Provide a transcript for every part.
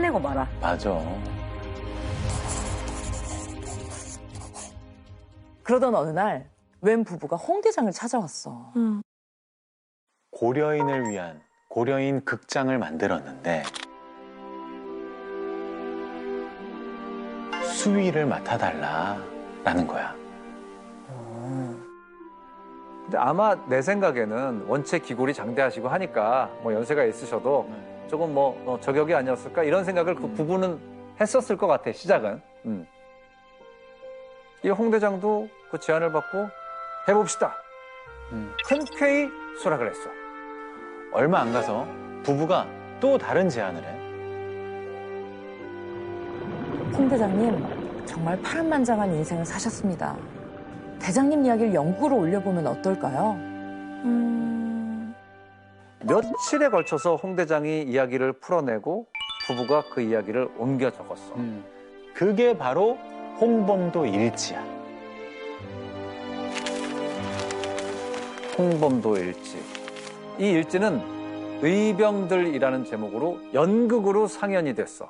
해내고 말아. 맞아. 그러던 어느 날 웬 부부가 홍대장을 찾아왔어. 고려인을 위한 고려인 극장을 만들었는데 수위를 맡아달라라는 거야. 근데 아마 내 생각에는 원체 기골이 장대하시고 하니까 뭐 연세가 있으셔도 조금 뭐 저격이 아니었을까 이런 생각을 그 부부는 했었을 것 같아, 시작은. 이 홍 대장도 그 제안을 받고 해봅시다. 흔쾌히 수락을 했어. 얼마 안 가서 부부가 또 다른 제안을 해. 홍대장님, 정말 파란만장한 인생을 사셨습니다. 대장님 이야기를 연구로 올려보면 어떨까요? 며칠에 걸쳐서 홍 대장이 이야기를 풀어내고 부부가 그 이야기를 옮겨 적었어. 그게 바로 홍범도 일지야. 홍범도 일지. 이 일지는 의병들이라는 제목으로 연극으로 상연이 됐어.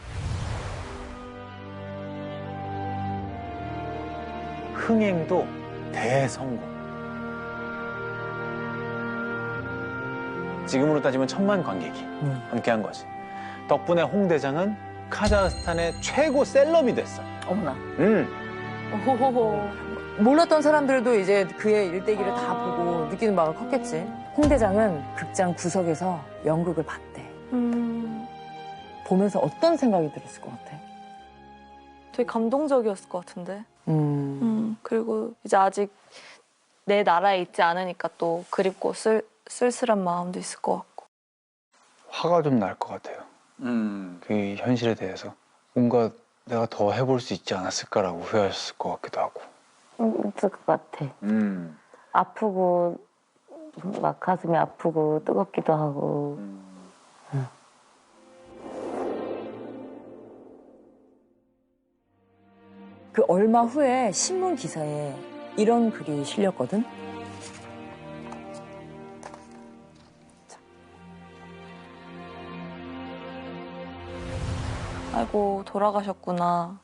흥행도 대성공. 지금으로 따지면 1000만 관객이 함께한 거지. 덕분에 홍 대장은 카자흐스탄의 최고 셀럽이 됐어. 어머나. 호호호. 몰랐던 사람들도 이제 그의 일대기를 다 보고 느끼는 바가 컸겠지. 홍 대장은 극장 구석에서 연극을 봤대. 보면서 어떤 생각이 들었을 것 같아? 되게 감동적이었을 것 같은데. 그리고 이제 아직 내 나라에 있지 않으니까 또 그립고 쓸쓸한 마음도 있을 것 같고. 화가 좀 날 것 같아요. 그 현실에 대해서 뭔가 내가 더 해볼 수 있지 않았을까라고 후회하셨을 것 같기도 하고. 있을 것 같아. 아프고 막 가슴이 아프고 뜨겁기도 하고. 그 얼마 후에 신문 기사에 이런 글이 실렸거든. 아이고 돌아가셨구나.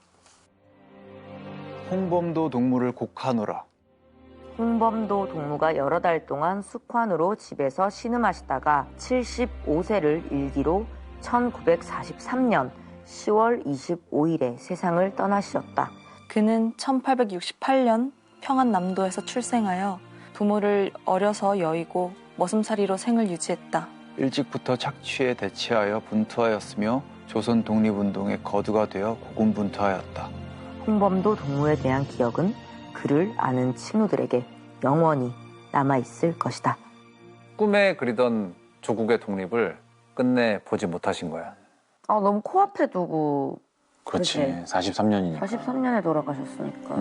홍범도 동무를 곡하노라. 홍범도 동무가 여러 달 동안 숙환으로 집에서 신음하시다가 75세를 일기로 1943년 10월 25일에 세상을 떠나시었다. 그는 1868년 평안남도에서 출생하여 부모를 어려서 여의고 머슴살이로 생을 유지했다. 일찍부터 착취에 대치하여 분투하였으며 조선 독립운동의 거두가 되어 고군분투하였다. 홍범도 동무에 대한 기억은 그를 아는 친구들에게 영원히 남아있을 것이다. 꿈에 그리던 조국의 독립을 끝내 보지 못하신 거야. 아, 너무 코앞에 두고. 그렇지. 그치. 43년이니까. 43년에 돌아가셨으니까.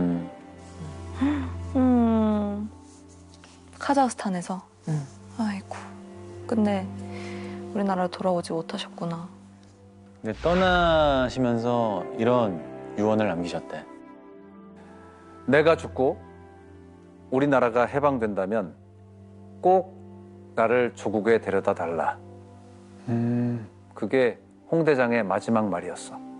카자흐스탄에서. 아이고 끝내 우리나라로 돌아오지 못하셨구나. 근데 떠나시면서 이런 유언을 남기셨대. 내가 죽고 우리나라가 해방된다면 꼭 나를 조국에 데려다 달라. 그게 홍 대장의 마지막 말이었어.